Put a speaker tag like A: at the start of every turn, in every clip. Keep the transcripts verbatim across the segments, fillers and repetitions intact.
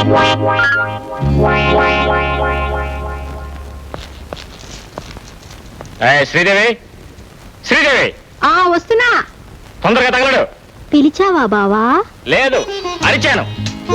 A: శ్రీదేవి శ్రీదేవి
B: వస్తున్నా.
A: తొందరగా తగలడు.
B: పిలిచావా బావా?
A: లేదు, అరిచాను.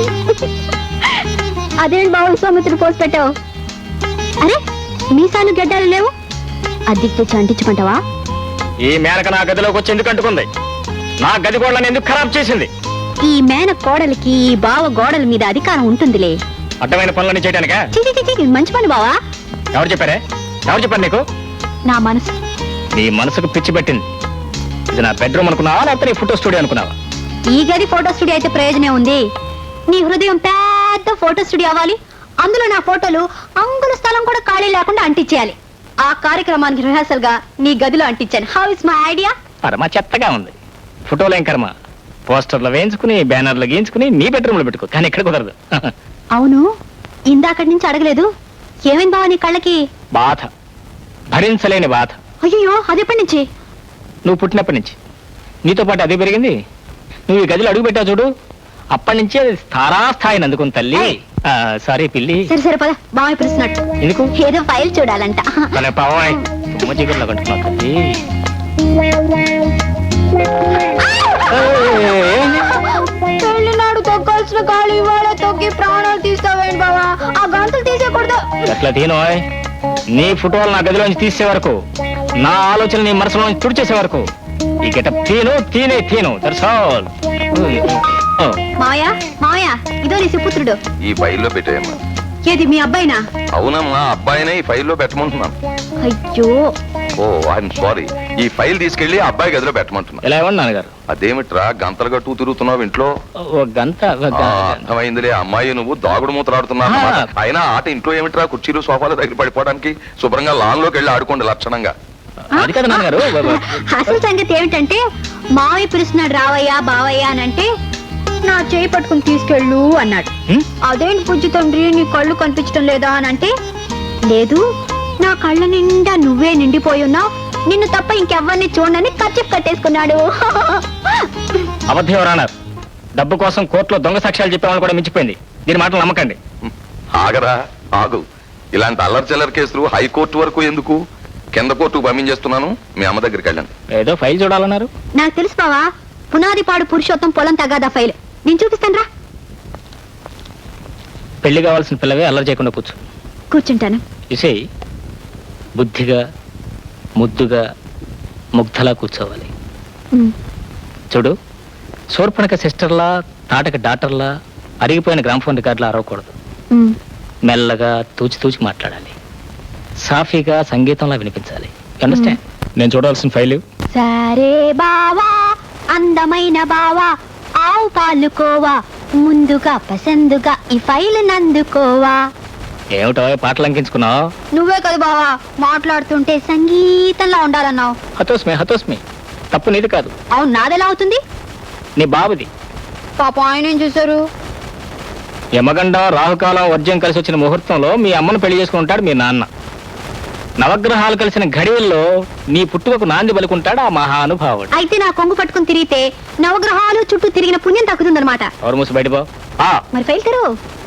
B: అదేంటి బావ సోమతులు పోసి పెట్టావు? అరే మీసాలు గడ్డాలు లేవు, అద్దెకి తెచ్చి అంటించమంటావా?
A: ఈ మేనక నా గదిలోకి వచ్చి ఎందుకు అంటుకుంది? నా గది గోడలను ఎందుకు ఖరాబ్ చేసింది?
B: ఈ మేన కోడలికి ఈ బావ గోడల మీద అధికారం ఉంటుందిలే.
A: అడ్డమైన పనులన్నీ చేయడానికా?
B: మంచి పని బావా.
A: ఎవరు చెప్పారే? ఎవరు చెప్పారు నీకు?
B: నా మనసు.
A: నీ మనసుకు పిచ్చి పెట్టింది. ఇది నా బెడ్రూమ్ అనుకున్నావా, లేకపోతే నీ ఫోటో స్టూడియో అనుకున్నావా?
B: ఈ గది ఫోటో స్టూడియో అయితే ప్రయోజనం ఉంది. నీ హృదయం పెద్ద ఫోటో స్టూడియో అవ్వాలి. అందులో నా ఫోటోలు అంగుల స్థలం కూడా ఖాళీ లేకుండా అంటించేయాలి. ఆ కార్యక్రమానికి రిహార్సల్ గా నీ గదిలో అంటించాను. How is my idea?
A: పరమ చెత్తగా ఉంది. ఫోటోలు ఏం కర్మ, పోస్టర్లు వేయించుకుని బ్యానర్లు గీయించుకుని నీ బెడ్రూమ్ లో పెట్టుకో, కానీ ఇక్కడ కుదరదు.
B: అవును, ఇందాకటి నుంచి అడగలేదు. ఏమైంది బావ నీ కళ్ళకి?
A: బాధ, భరించలేని బాధ.
B: అయ్యో, అదెప్పటి నుంచి?
A: నువ్వు పుట్టినప్పటి నుంచి. నీతో పాటు అదే పెరిగింది. నువ్వు ఈ గదిలో అడుగు పెట్టావు చూడు, అప్పటి నుంచి అది స్థారాస్థాయిని అందుకుని తల్లి. సారీ పిల్లి.
B: సరే సరే పద, బావ పిలుస్తున్నట్టు.
A: ఎందుకు?
B: ఏదో ఫైల్ చూడాలంట.
A: పావాయ్ తుమ్మచీకట్లో కంటున్నావు తల్లి.
B: పెళ్లినాడు తొక్కాల్సిన కాళ్ళు ఇవాళ తొక్కి ప్రాణాలు తీస్తావేంటి బావా? ఆ గంటలు తీసేయకూడదు.
A: అట్లా తీనోయ్. నీ ఫోటోలు నా గదిలోంచి తీసే వరకు, నా ఆలోచన నీ మనసులోంచి తుడిచేసే వరకు ఈ గెటప్ తీను తీనే తీను. That's all.
B: మావయ్య మావయ్య, ఇదో నీ సుపుత్రుడు.
C: ఈ ఫైల్లో పెట్టేయమ్మా.
B: ఏది మీ అబ్బాయినా?
C: అవునమ్మా, అబ్బాయినే ఈ ఫైల్లో పెట్టమంటున్నాను.
B: అయ్యో,
C: ఓ ఐఎమ్ సారీ. ఈ ఫైల్ తీసుకెళ్లి అబ్బాయి గదిలో పెట్టమంటున్నా.
A: ఎలా ఇవ్వండి నాన్నగారు?
C: అదేమిట్రా గంతలు గట్టు తిరుగుతున్నావు ఇంట్లో?
A: ఓ గంట.
C: అర్థమైందిలే, అమ్మాయి నువ్వు దాగుడు మూతలాడుతున్నావు. అయినా ఆట ఇంట్లో ఏమిట్రా, కుర్చీలు సోఫాల దగ్గర పడిపోవడానికి? శుభ్రంగా లాన్ లోకి వెళ్ళి ఆడుకోండి లక్షణంగా.
A: అది కదా నాన్నగారు.
B: అసలు సంగతి ఏమిటంటే, మావయ్య పిలుస్తున్నాడు రావయ్యా బావయ్యా అని అంటే నా చేయి పట్టుకుని తీసుకెళ్ళు అన్నాడు. అదేంటి పుజ్జి తండ్రి నీ కళ్ళు కనిపించడం లేదా అని అంటే, లేదు నా కళ్ళ నిండా నువ్వే నిండిపోయి ఉన్నావు, నిన్ను తప్ప ఇంకెవ్వరిని చూడని కచ్చిప్ కట్టేసుకున్నాడు.
A: అబద్ధం రానర్. డబ్బు కోసం కోర్టులో దొంగ సాక్ష్యాలు చెప్పేవాళ్ళు కూడా మించిపోయింది. దీని మాటలు నమ్మకండి.
C: ఆగరా ఆగు. ఇలాంటి అల్లరి చిల్లర కేసులు హైకోర్టు వరకు ఎందుకు? కింద కోర్టుకు పంపించేస్తున్నాను, మీ అమ్మ దగ్గరికి వెళ్ళండి.
A: ఏదో ఫైల్ చూడాలన్నారు.
B: నాకు తెలుసు బావా, పునాదిపాడు పురుషోత్తం పొలం తగాదా ఫైల్. నేను చూపిస్తాను రా.
A: పెళ్లి కావాల్సిన పిల్లవే అల్లరి చేయకుండా కూర్చో.
B: కూర్చుంటాను.
A: ఇసే బుద్ధిగా ముద్దుగా ముగ్ధలా కూర్చోవాలి. చూడు, శూర్పణక సిస్టర్లా తాటక డాక్టర్లా అరిగిపోయిన గ్రామ్ఫోన్ రికార్డులా అరవకూడదు. మెల్లగా తూచి తూచి మాట్లాడాలి. సాఫీగా సంగీతంలా వినిపించాలి. అండర్స్టాండ్? నేను చూడాల్సిన ఫైల్.
B: సరే బావా, అందమైన బావా, ఆవు పాలుకోవా, ముందుగా పసందుగా ఈ ఫైల్ నందుకోవా.
A: ఏమిటో పాటలు అంకించుకున్నావు?
B: నువ్వే కదా బావా మాట్లాడుతుంటే సంగీతంలా ఉండాలన్నావు.
A: హతోస్మి హతోస్మి. తప్పు నీది కాదు.
B: అవును, నాదెలా అవుతుంది?
A: నీ బాబుది.
B: పాప ఆయన ఏం చూసారు?
A: యమగండ రాహుకాలం వర్జ్యం కలిసి వచ్చిన ముహూర్తంలో మీ అమ్మను పెళ్లి చేసుకుంటాడు మీ నాన్న. నవగ్రహాలు కలిసిన ఘడియల్లో నీ పుట్టుకకు నాంది పలుకుంటాడు ఆ మహానుభావుడు.
B: అయితే నా కొంగు పట్టుకుని తిరిగితే నవగ్రహాలు చుట్టూ తిరిగిన పుణ్యం తగ్గుతుందన్నమాట.
A: ఎవరు మూసి బయటపో.
B: మరి ఫైల్ తెరు.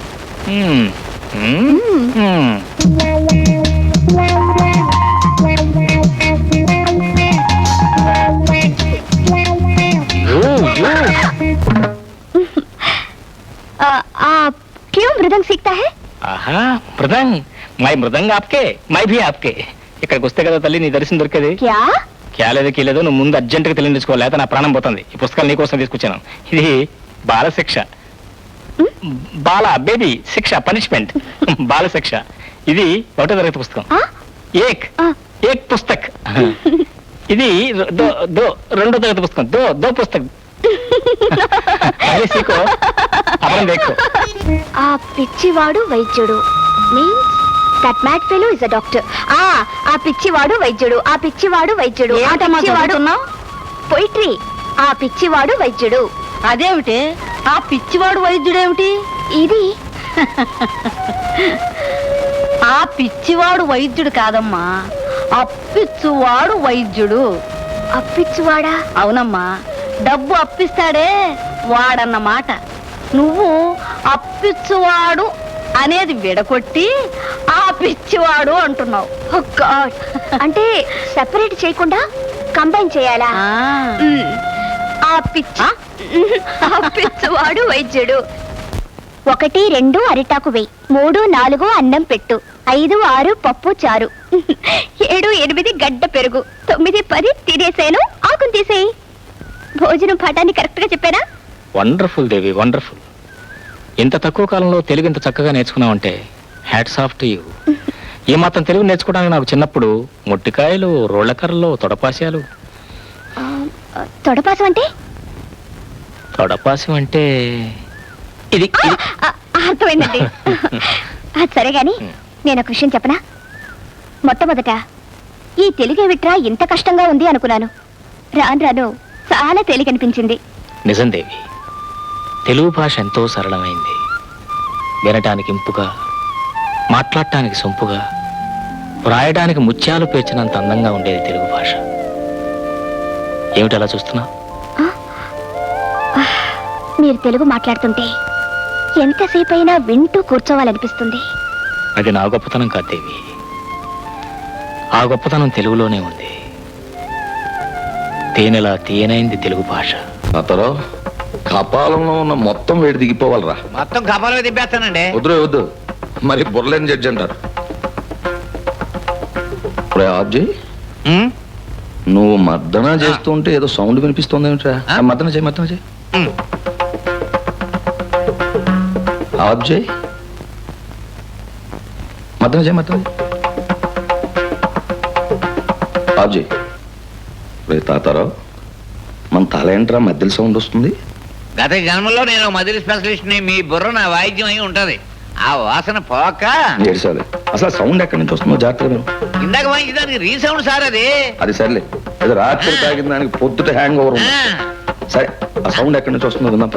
B: क्यों मृदंग सीखता है?
A: ఆహా, మృదంగ్. మై మృదంగ్ ఆప్కే, మై భీ ఆప్కే. ఇక్కడికి వస్తే కదా తల్లి నీ దర్శనం దొరికేది.
B: క్యా
A: క్యాలేదు కీలేదు, నువ్వు ముందు అర్జెంటుగా తెలియజేసుకోవాలి, లేకపోతే నా ప్రాణం పోతుంది. ఈ పుస్తకాలు నీకోసం తీసుకొచ్చాను. ఇది బాల శిక్ష. బాల బేబీ శిక్ష, పనిష్మెంట్. బాల శిక్ష. ఇది ఒకటో తరగతి పుస్తకం. ఏక్ ఏక్ పుస్తక్. ఇది దో దో రెండో తరగతి పుస్తకం. దో దో పుస్తక్.
B: ఆ పిచ్చివాడు వైద్యుడు means that mad fellow is a doctor. ఆ ఆ పిచ్చివాడు వైద్యుడు, ఆ పిచ్చివాడు వైద్యుడు. పోయిట్రీ. ఆ పిచ్చివాడు వైద్యుడు.
D: అదేమిటి ఆ పిచ్చివాడు వైద్యుడేమిటి?
B: ఇది
D: ఆ పిచ్చివాడు వైద్యుడు కాదమ్మా, అప్పిచ్చువాడు వైద్యుడు.
B: అప్పిచ్చువాడా?
D: అవునమ్మా, డబ్బు అప్పిస్తాడే వాడన్నమాట. నువ్వు అప్పిచ్చువాడు అనేది విడగొట్టి ఆ పిచ్చివాడు అంటున్నావు.
B: Oh God. అంటే సెపరేట్ చేయకుండా కంబైన్ చేయాలా?
D: ఆ.
B: మ్మ్. ఆ పిచ్చి ఆ పిచ్చివాడు వైద్యుడు. ఒకటి రెండు అరిటాకు వెయ్యి, మూడు నాలుగు అన్నం పెట్టు, ఐదు ఆరు పప్పు చారు, ఏడు ఎనిమిది గడ్డ పెరుగు, తొమ్మిది పది తినేసేను ఆకుని తీసేయి. భోజనం పాఠాన్ని కరెక్ట్ గా చెప్పానా?
A: Wonderful Devi, wonderful. ఇంత తక్కువ కాలంలో తెలుగు ఇంత చక్కగా నేర్చుకున్నావంటే హ్యాట్స్ ఆఫ్ టు యూ. ఈ మాత్రం తెలుగు నేర్చుకోవడానికి నాకు చిన్నప్పుడు మొట్టికాయలు, రోళ్ళకర్రలు, తొడపాస్యాలు.
B: ఆ, తొడపాసం అంటే?
A: తొడపాస్యం అంటే ఇది
B: ఆ,
A: ఇది.
B: ఆ, అర్థమైందండి. అది సరే గాని నేను ఒక విషయం చెప్పనా? మొట్టమొదట ఈ తెలుగే విట్రా ఇంత కష్టంగా ఉంది అనుకున్నాను. రాను రాను చాలా తేలికనిపించింది.
A: నిజం దేవి, తెలుగు భాష ఎంతో సరళమైంది. వినటానికి ఇంపుగా, మాట్లాడటానికి సొంపుగా, వ్రాయడానికి ముత్యాలు పేర్చినంత అందంగా ఉండేది తెలుగు భాష. ఏమిటి అలా చూస్తున్నా?
B: మీరు తెలుగు మాట్లాడుతుంటే ఎంతసేపైనా వింటూ కూర్చోవాలనిపిస్తుంది.
A: అది నా గొప్పతనం కాదు దేవి, ఆ గొప్పతనం తెలుగులోనే ఉంది. తేనెలా తీయనైంది తెలుగు భాష.
C: తాతారావు, కపాలంలో ఉన్న మొత్తం వేడి దిగిపోవాలరా.
E: మొత్తం కపాలమే తిప్పేస్తానండి.
C: వద్దు వద్దు, మరి బుర్రలేని జడ్జి అంటారు. ఇప్పుడే ఆఫ్ చేయి.
E: ఉమ్,
C: నువ్వు మద్దన చేస్తుంటే ఏదో సౌండ్ వినిపిస్తుంది ఏమిట్రా?
E: ఆ?
C: మద్దన చేయి, మద్దన చేయి.
E: ఉమ్.
C: ఆఫ్ చేయి, మద్దన చేయి, మద్దన చేయి. ఆఫ్ చేయి. రే తాతారావు, మన తల ఏంట్రా మధ్యలో సౌండ్ వస్తుంది?
E: గత జన్మలో నేను మదిలి స్పెషలిస్ట్ ని. మీ బుర్ర నా వాయిద్యం అయి ఉంటది. ఆ వాసన పోక
C: ఏడ్చాలి. అసలు ఆ సౌండ్ ఎక్కడి నుంచి వస్తుందో జాగ్రత్తగా విను.
E: ఇందాక వాయించడానికి రీసౌండ్ సార్ అది.
C: అది సర్లే, ఏదో రాత్రి తాగిన దానికి పొద్దుట హ్యాంగ్ ఓవర్ ఉంది.
E: ఆ,
C: సరే, ఆ సౌండ్ ఎక్కడి నుంచి వస్తుందో విన్నప్ప.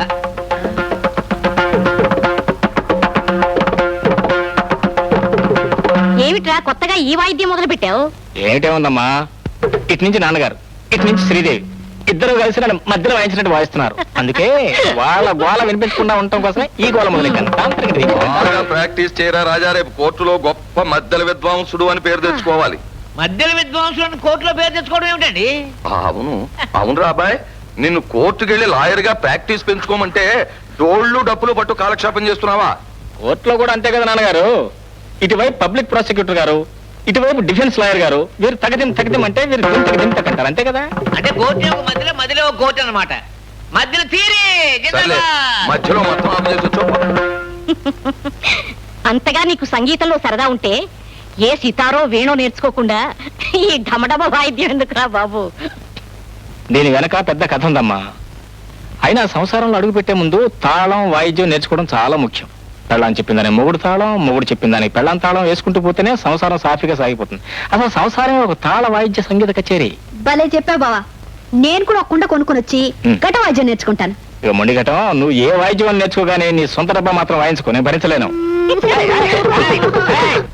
D: ఏమిట్రా కొత్తగా ఈ వాయిద్యం మొదలు పెట్టావు?
A: ఏమిటే ఉందమ్మా, ఇటు నుంచి నాన్నగారు, ఇటు నుంచి శ్రీదేవి, ఇద్దరు కలిసి నన్ను మధ్యలో వాయించినట్టు వాయిస్తున్నారు. అందుకే వాళ్ళ గోల వినిపించకుండా ఉండటం కోసమే ఈ గోల మొదలెట్టాను. తాంత్రిక దీపం.
C: బాగా ప్రాక్టీస్ చేయరా రాజా, రేపు కోర్టులో గొప్ప మధ్యల విద్వాంసుడు అని పేరు తెచ్చుకోవాలి.
E: మధ్యలో విద్వాంసులను కోర్టులో పేరు తెచ్చుకోవడం ఏమిటండి?
C: అవును అవును అబ్బాయి, నిన్ను కోర్టుకి వెళ్ళి లాయర్ గా ప్రాక్టీస్ పెంచుకోమంటే డోళ్ళు డప్పులు పట్టు కాలక్షేపం చేస్తున్నావా?
A: కోర్టులో కూడా అంతే కదా నాన్నగారు. ఇటువైపు పబ్లిక్ ప్రాసిక్యూటర్ గారు, ఇటువైపు డిఫెన్స్ లాయర్ గారు, వీరు తగదిం తగదిం అంటే వీరు దిం తగదిం తగ్గంటారు. అంతే కదా.
E: అంటే కోర్టు ఒక మధ్యలో మధ్యలో ఒక కోర్టు అనమాట. మధ్యలో తీరి
C: సర్లే, మధ్యలో మొత్తం ఆఫ్ చేసి వచ్చో.
D: అంతగా నీకు సంగీతంలో సరదా ఉంటే ఏ సితారో వేణో నేర్చుకోకుండా ఈ ఢమఢమ వాయిద్యం ఎందుకురా బాబు?
A: దీని వెనక పెద్ద కథ ఉందమ్మా. అయినా సంసారంలో అడుగు పెట్టే ముందు తాళం, వాయిద్యం నేర్చుకోవడం చాలా ముఖ్యం. పెళ్ళాం చెప్పిందని మొగుడు తాళం, మొగుడు చెప్పిందని పెళ్ళాం తాళం వేసుకుంటూ పోతేనే సంసారం సాఫీగా సాగిపోతుంది. అసలు సంసారం ఒక తాళ వాయిద్య సంగీత కచేరీ.
B: భలే చెప్పావు బావా. నేను కూడా ఒక కుండ కొనుక్కొని వచ్చి
A: మ్.
B: ఘట వాద్యం నేర్చుకుంటాను.
A: ఇక మొండిగటం, నువ్వు ఏ వాయిద్యం అని నేర్చుకోగానే నీ సొంత డబ్బా మాత్రం వాయించుకో, నేను భరించలేను.